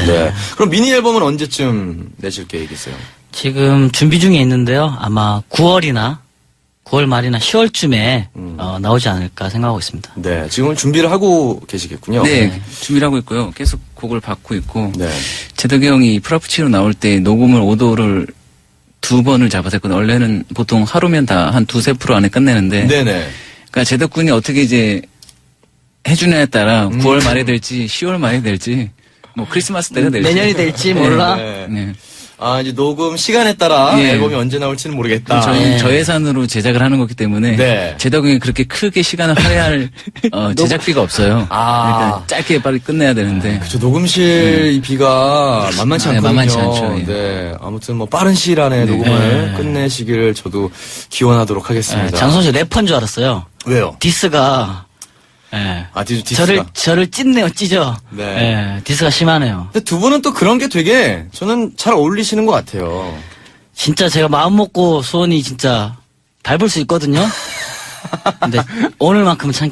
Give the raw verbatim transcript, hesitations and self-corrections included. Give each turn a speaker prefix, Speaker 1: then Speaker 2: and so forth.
Speaker 1: 네. 그럼 미니 앨범은 언제쯤 내실 계획이세요?
Speaker 2: 지금 준비 중에 있는데요. 아마 구월이나 구월 말이나 시월쯤에
Speaker 1: 음.
Speaker 2: 어, 나오지 않을까 생각하고 있습니다.
Speaker 1: 네. 지금은 준비를 하고 계시겠군요.
Speaker 3: 네, 준비를 하고 있고요. 계속 곡을 받고 있고.
Speaker 1: 네.
Speaker 3: 제덕이 형이 프라푸치노 나올 때 녹음을 오도를 두 번을 잡아서 했거든요. 원래는 보통 하루면 다 한 두세 프로 안에 끝내는데.
Speaker 1: 네네.
Speaker 3: 그러니까 제덕 군이 어떻게 이제 해주냐에 따라
Speaker 1: 음.
Speaker 3: 구월 말에 될지 시월 말에 될지 뭐 크리스마스 때가 될지.
Speaker 2: 내년이 될지 몰라.
Speaker 1: 네.
Speaker 3: 네.
Speaker 1: 아, 이제 녹음 시간에 따라
Speaker 3: 예.
Speaker 1: 앨범이 언제 나올지는 모르겠다.
Speaker 3: 저희는
Speaker 2: 네.
Speaker 3: 저예산으로 제작을 하는 거기 때문에
Speaker 1: 네.
Speaker 3: 제덕이 그렇게 크게 시간을 할애할 어, 제작비가 없어요.
Speaker 1: 아.
Speaker 3: 그러니까 짧게 빨리 끝내야 되는데.
Speaker 1: 그쵸, 녹음실 이 비가 만만치
Speaker 3: 네,
Speaker 1: 않거든요.
Speaker 3: 만만치 않죠, 예.
Speaker 1: 네. 아무튼 뭐 빠른 시일 안에
Speaker 3: 네.
Speaker 1: 녹음을
Speaker 2: 네.
Speaker 1: 끝내시기를 저도 기원하도록 하겠습니다.
Speaker 2: 네, 장선 씨 래퍼인 줄 알았어요.
Speaker 1: 왜요?
Speaker 2: 디스가 예.
Speaker 1: 아, 디스, 디스가.
Speaker 2: 저를 저를 찢네요, 찢어.
Speaker 1: 네.
Speaker 2: 예, 디스가 심하네요.
Speaker 1: 근데 두 분은 또 그런 게 되게 저는 잘 어울리시는 것 같아요.
Speaker 2: 진짜 제가 마음 먹고 소원이 진짜 밟을 수 있거든요. 근데 오늘만큼은 참겠습니다.